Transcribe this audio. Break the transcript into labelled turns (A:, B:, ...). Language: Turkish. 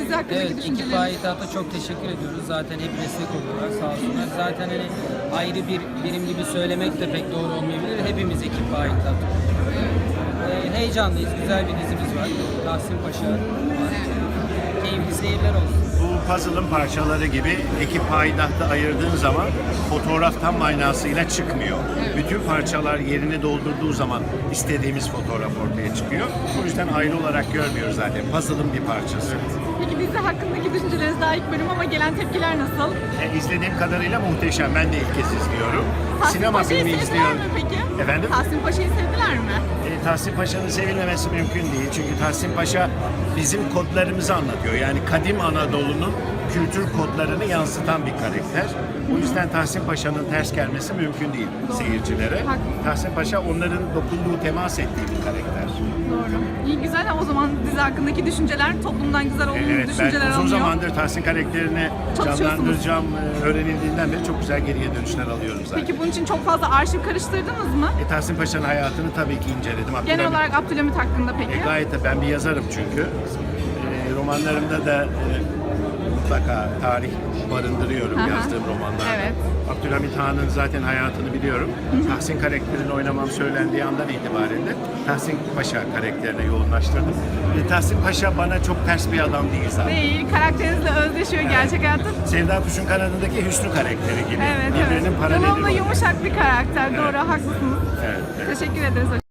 A: dizi hakkındaki
B: Evet, ekip
A: düşünceleriniz.
B: Payitaht'a çok teşekkür ediyoruz. Zaten hep destek oluyorlar, sağ olsunlar. Zaten hani ayrı bir birim gibi söylemek de pek doğru olmayabilir. Hepimiz ekip Payitaht. Heyecanlıyız, güzel bir dizimiz var. Tahsin Paşa. Keyifli seyirler olsun.
C: Bu puzzle'ın parçaları gibi ekip payidahta ayırdığın zaman fotoğraf tam manasıyla çıkmıyor. Bütün parçalar yerini doldurduğu zaman istediğimiz fotoğraf ortaya çıkıyor. O yüzden ayrı olarak görmüyoruz zaten. Puzzle'ın bir parçası.
A: Peki dizi hakkındaki düşünceleriniz daha ilk bölüm ama gelen tepkiler nasıl?
C: İzlediğim kadarıyla muhteşem. Ben de ilk kez izliyorum.
A: Tahsin
C: Sinema
A: Paşa'yı
C: filmi
A: sevdiler
C: izliyorum.
A: mi peki?
C: Efendim?
A: Tahsin Paşa'yı sevdiler mi?
C: Tahsin Paşa'nın sevilmemesi mümkün değil. Çünkü Tahsin Paşa bizim kodlarımızı anlatıyor. Yani kadim Anadolu'nun kültür kodlarını yansıtan bir karakter. O yüzden Tahsin Paşa'nın ters gelmesi mümkün değil seyircilere.
A: Haklısın.
C: Tahsin Paşa onların dokunduğu, temas ettiği bir karakter.
A: Doğru. İyi güzel. O zaman dizi hakkındaki düşünceler toplumdan güzel olumlu
C: Evet,
A: düşünceler
C: ben uzun
A: alınıyor.
C: zamandır Tahsin karakterini
A: Çalışıyorsunuz.
C: canlandıracağım öğrenildiğinden beri çok güzel geriye dönüşler alıyorum zaten.
A: Peki bunun için çok fazla arşiv karıştırdınız mı?
C: Tahsin Paşa'nın hayatını tabii ki inceledim.
A: Genel olarak Abdülhamit hakkında peki?
C: Gayet de ben bir yazarım çünkü. Romanlarımda da mutlaka tarih barındırıyorum
A: Aha.
C: yazdığım romanlarda.
A: Evet.
C: Abdülhamit Han'ın zaten hayatını biliyorum. Tahsin karakterini oynamam söylendiği andan itibaren de Tahsin Paşa karakterine yoğunlaştırdım. Tahsin Paşa bana çok ters bir adam değil zaten.
A: Değil, karakterinizle özleşiyor gerçek hayatta.
C: Sevda Kuş'un kanadındaki Hüsnü karakteri gibi.
A: Evet,
C: Birbirinin
A: evet.
C: paraleli
A: Devamlı
C: rolü.
A: yumuşak bir karakter. Doğru, haklısınız.
C: Evet, evet.
A: Teşekkür ederiz.